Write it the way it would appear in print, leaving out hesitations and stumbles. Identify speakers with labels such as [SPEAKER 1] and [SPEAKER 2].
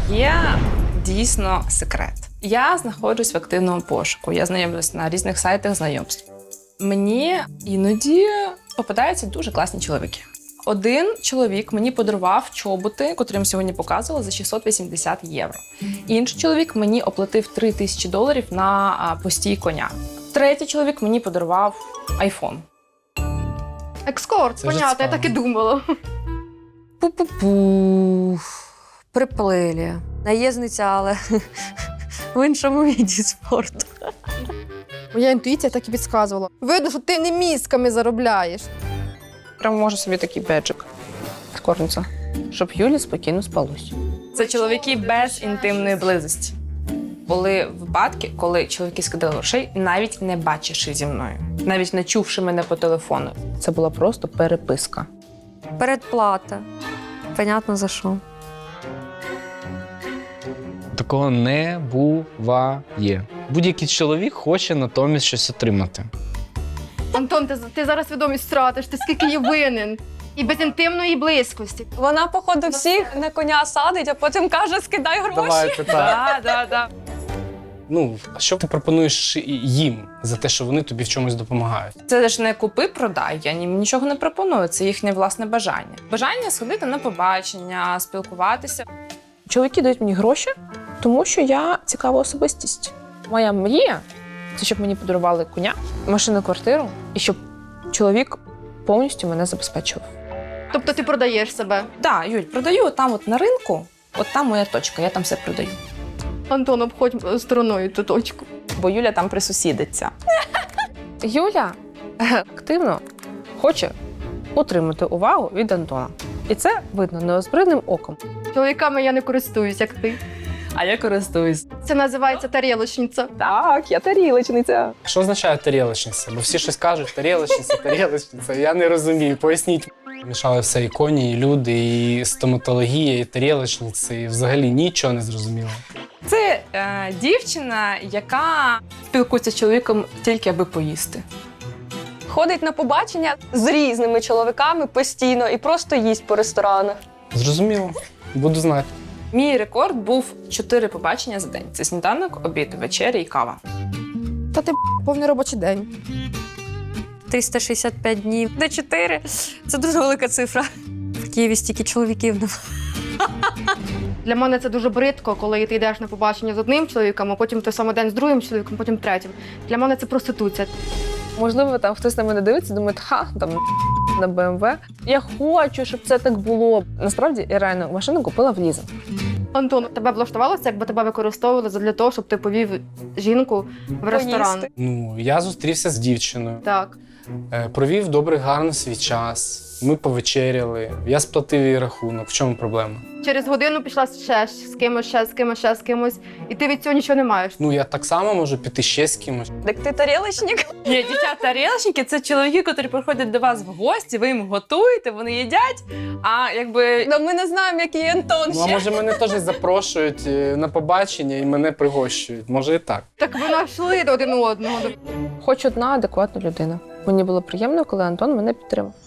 [SPEAKER 1] Є дійсно секрет. Я знаходжусь в активному пошуку, я знайомлюсь на різних сайтах знайомств. Мені іноді попадаються дуже класні чоловіки. Один чоловік мені подарував чоботи, котрі я сьогодні показувала, за 680 євро. Інший чоловік мені оплатив $3000 на постій коня. Третій чоловік мені подарував айфон.
[SPEAKER 2] Екскорт,
[SPEAKER 3] Це вже
[SPEAKER 2] понятно, я так і думала.
[SPEAKER 4] Пу-пу-пу. Приплилі. Наєзниця, але в іншому віді спорту.
[SPEAKER 2] Моя інтуїція так і підказувала. Видно, що ти не мізками заробляєш.
[SPEAKER 1] Прямо можу собі такий беджик скорниця, щоб Юлі спокійно спалось. Це чоловіки без інтимної близості. Були випадки, коли чоловіки скидали грошей, навіть не бачивши зі мною, навіть не чувши мене по телефону. Це була просто переписка.
[SPEAKER 4] Передплата. Понятно за що.
[SPEAKER 3] Такого не буває. Будь-який чоловік хоче натомість щось отримати.
[SPEAKER 2] Антон, ти зараз свідомість втратиш, ти скільки є винен. І без інтимної близькості.
[SPEAKER 4] Вона, походу, всіх на коня садить, а потім каже, скидай гроші.
[SPEAKER 3] Давайте так.
[SPEAKER 1] Да.
[SPEAKER 3] Ну, а що ти пропонуєш їм за те, що вони тобі в чомусь допомагають?
[SPEAKER 1] Це ж не купи-продай, я їм нічого не пропоную, це їхнє власне бажання. Бажання сходити на побачення, спілкуватися. Чоловіки дають мені гроші, тому що я цікава особистість. Моя мрія – це щоб мені подарували коня, машину, квартиру, і щоб чоловік повністю мене забезпечував.
[SPEAKER 2] Тобто ти продаєш себе.
[SPEAKER 1] Так, Юль, продаю там от на ринку, от там моя точка, я там все продаю.
[SPEAKER 2] Антон, обходь стороною ту точку.
[SPEAKER 1] Бо Юля там присусідиться. Юля активно хоче отримати увагу від Антона. І це видно неозброєним оком.
[SPEAKER 2] Чоловіками я не користуюсь, як ти.
[SPEAKER 1] А я користуюсь.
[SPEAKER 2] Це називається тарілочниця.
[SPEAKER 1] Так, я тарілочниця.
[SPEAKER 3] Що означає тарілочниця? Бо всі щось кажуть, тарілочниця. Я не розумію, поясніть. Мішали все і коні, і люди, і стоматологія, і тарілочниці, і взагалі нічого не зрозуміло.
[SPEAKER 1] Це дівчина, яка спілкується з чоловіком тільки аби поїсти.
[SPEAKER 4] Ходить на побачення з різними чоловіками постійно і просто їсть по ресторанах.
[SPEAKER 3] Зрозуміло, буду знати.
[SPEAKER 1] Мій рекорд був 4 побачення за день. Це сніданок, обід, вечеря і кава.
[SPEAKER 2] Та ти повний робочий день.
[SPEAKER 4] 365 днів. Де 4? Це дуже велика цифра. В Києві стільки чоловіків немає.
[SPEAKER 2] Для мене це дуже бридко, коли ти йдеш на побачення з одним чоловіком, а потім той самий день з другим чоловіком, потім третім. Для мене це проституція.
[SPEAKER 1] Можливо, там хтось на мене дивиться, думає, там на БМВ. Я хочу, щоб це так було. Насправді, я реально машину купила в лізинг.
[SPEAKER 2] Антон, тебе влаштувалося, якби тебе використовували для того, щоб ти повів жінку в ресторан?
[SPEAKER 4] Поїсти.
[SPEAKER 3] Ну, я зустрівся з дівчиною,
[SPEAKER 2] Так.
[SPEAKER 3] провів добре, гарно свій час. Ми повечеряли, я сплатив їй рахунок. В чому проблема?
[SPEAKER 2] Через годину пішла ще з кимось, ще з кимось, і ти від цього нічого не маєш.
[SPEAKER 3] Ну, я так само можу піти ще з кимось.
[SPEAKER 4] Так ти тарілочник?
[SPEAKER 1] Ні, дівчата-тарілочники – це чоловіки, які приходять до вас в гості, ви їм готуєте, вони їдять, а якби…
[SPEAKER 4] Ну, ми не знаємо, який Антон
[SPEAKER 3] Ну, а
[SPEAKER 4] ще.
[SPEAKER 3] може мене теж запрошують на побачення і мене пригощують. Може і так.
[SPEAKER 2] Так ви знайшли один одного.
[SPEAKER 1] Хоч одна адекватна людина. Мені було приємно, коли Антон мене підтримав.